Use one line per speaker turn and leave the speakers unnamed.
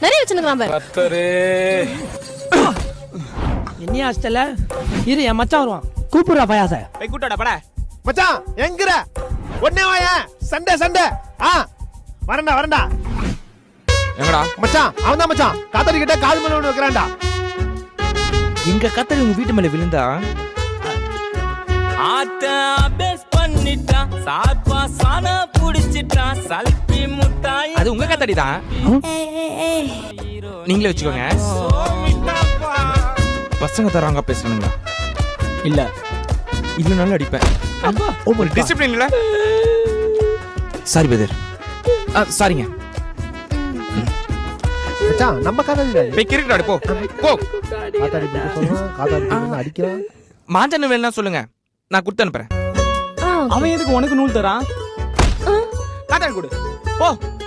நிறைய வச்சிருக்கான் பாரு.
கத்தரே
என்னையா ஹாஸ்டல்ல இரு என் மச்சான் வருவான் கூப்பிடுறா பயாச
போய் கூட்டோட பட
மச்சான் எங்கற ஒண்ணே வாயா சண்டே சண்டே வரண்டா
எங்கடா
மச்சான் அவன்தான் மச்சான் காத்தாடி கிட்ட கால் மேல ஒண்ணு வைக்கறான்டா.
எங்க கத்தரி உங்க வீட்டு மேல விழுந்தா
ஆட்ட அபேஸ் பண்ணிட்டா சாப்பா சானா புடிச்சிட்டா சல்பி முட்டாய்
அது உங்க கத்தடி தான் நீங்களே வச்சுக்கோங்க. பசங்க தராங்க பேசணுங்களா
இல்ல
இது நல்லா அடிப்பேன். ஒரு டிசிப்ளின் இல்ல. Sorry brother. சாரிங்க.
மச்சான் நம்ம காத்தாடி
போய் கிரிக்கெட் ஆடு போ போ.
காத்தாடி போய் சொல்றான் காத்தாடி அடிக்கிறான்.
மாஞ்சன்னு வேணா சொல்லுங்க நான் கொடுத்து அனுப்புறேன்.
அவன் எதுக்கு உனக்கு நூல் தரான்
காத்தாடி கொடு போ.